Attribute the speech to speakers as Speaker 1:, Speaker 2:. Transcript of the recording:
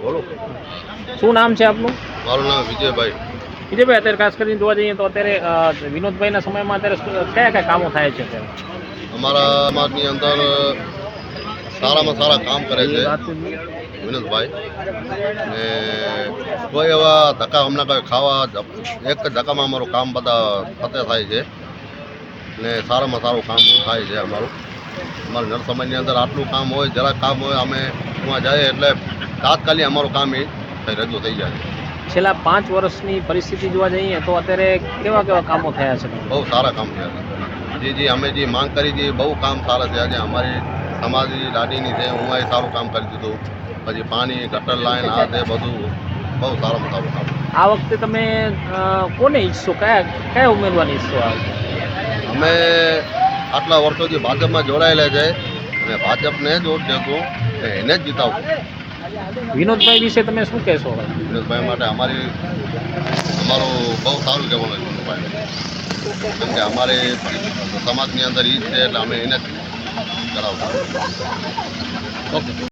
Speaker 1: બોલો.
Speaker 2: શું નામ છે આપનું?
Speaker 1: મારું નામ વિજયભાઈ.
Speaker 2: વિજયભાઈ, અત્યારે ખાસ કરીને જોવા જઈએ તો અત્યારે વિનોદભાઈના સમયમાં અત્યારે કયા કયા કામો થાય છે અત્યારે?
Speaker 1: અમારા સમાજની અંદર સારામાં સારા કામ કરે છે વિનોદભાઈ. ને કોઈ એવા ધક્કા હમણાં કોઈ ખાવા એક જ ધક્કામાં અમારું કામ બધા ફતે થાય છે ને સારામાં સારું કામ થાય છે અમારું નર સમાજની અંદર આટલું કામ હોય, જરાક કામ હોય, અમે ત્યાં જઈએ એટલે તાત્કાલિક અમારું કામ એ રજૂ થઈ જાય છે.
Speaker 2: છેલ્લા 5 વર્ષની પરિસ્થિતિ જોવા જઈએ તો અત્યારે કેવા કેવા કામો થયા છે?
Speaker 1: બહુ સારા કામ થયા છે. જે અમે જે માંગ કરી હતી બહુ કામ સારા થયા છે. અમારી સમાજની લાડીની છે, હું એ સારું કામ કરી દીધું. પછી પાણી, ગટર લાઈન, આ તે બધું બહુ સારામાં સારું કામ.
Speaker 2: આ વખતે તમે કોને ઈચ્છો, કયા ઉમેદવારને ઈચ્છો?
Speaker 1: અમે આટલા વર્ષોથી ભાજપમાં જોડાયેલા છે અને ભાજપને જ વોટ દેશું, એને જ જીતાવશું.
Speaker 2: વિનોદભાઈ વિશે તમે શું કહેશો?
Speaker 1: વિનોદભાઈ માટે અમારું બહુ સારું કહેવાનું છે વિનોદભાઈ, કેમ કે અમારી સમાજની અંદર એ જ છે એટલે અમે એને જ કરાવશું.
Speaker 2: ઓકે.